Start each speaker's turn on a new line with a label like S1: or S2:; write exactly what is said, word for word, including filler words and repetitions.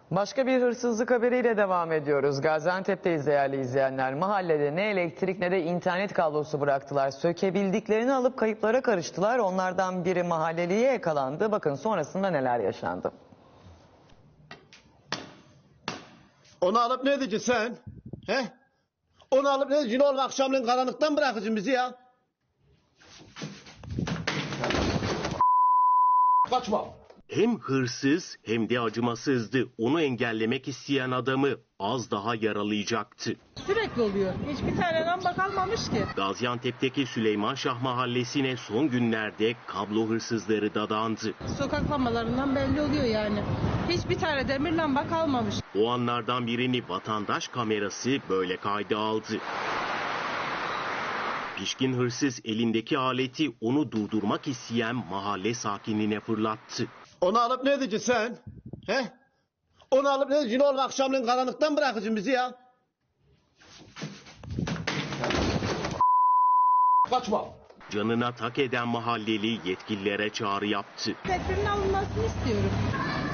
S1: Başka bir hırsızlık haberiyle devam ediyoruz. Gaziantep'teyiz değerli izleyenler. Mahallede ne elektrik ne de internet kablosu bıraktılar. Sökebildiklerini alıp kayıplara karıştılar. Onlardan biri mahalleliye yakalandı. Bakın sonrasında neler yaşandı.
S2: Onu alıp ne edeceksin sen? He? Onu alıp ne edeceksin oğlum, akşamleyin karanlıktan bırakacaksın bizi ya. Kaçma.
S3: Hem hırsız hem de acımasızdı. Onu engellemek isteyen adamı az daha yaralayacaktı.
S4: Sürekli oluyor. Hiçbir tane lamba kalmamış ki.
S3: Gaziantep'teki Süleymanşah Mahallesi'ne son günlerde kablo hırsızları dadandı.
S4: Sokak lambalarından belli oluyor yani. Hiçbir tane demir lamba kalmamış.
S3: O anlardan birini vatandaş kamerası böyle kayda aldı. Pişkin hırsız elindeki aleti onu durdurmak isteyen mahalle sakinine fırlattı.
S2: Onu alıp ne edeceksin sen? He? Onu alıp ne edeceksin oğlum, akşamleyin karanlıktan bırakacaksın bizi ya. Kaçma.
S3: Canına tak eden mahalleli yetkililere çağrı yaptı.
S4: Tedbirin alınmasını istiyorum.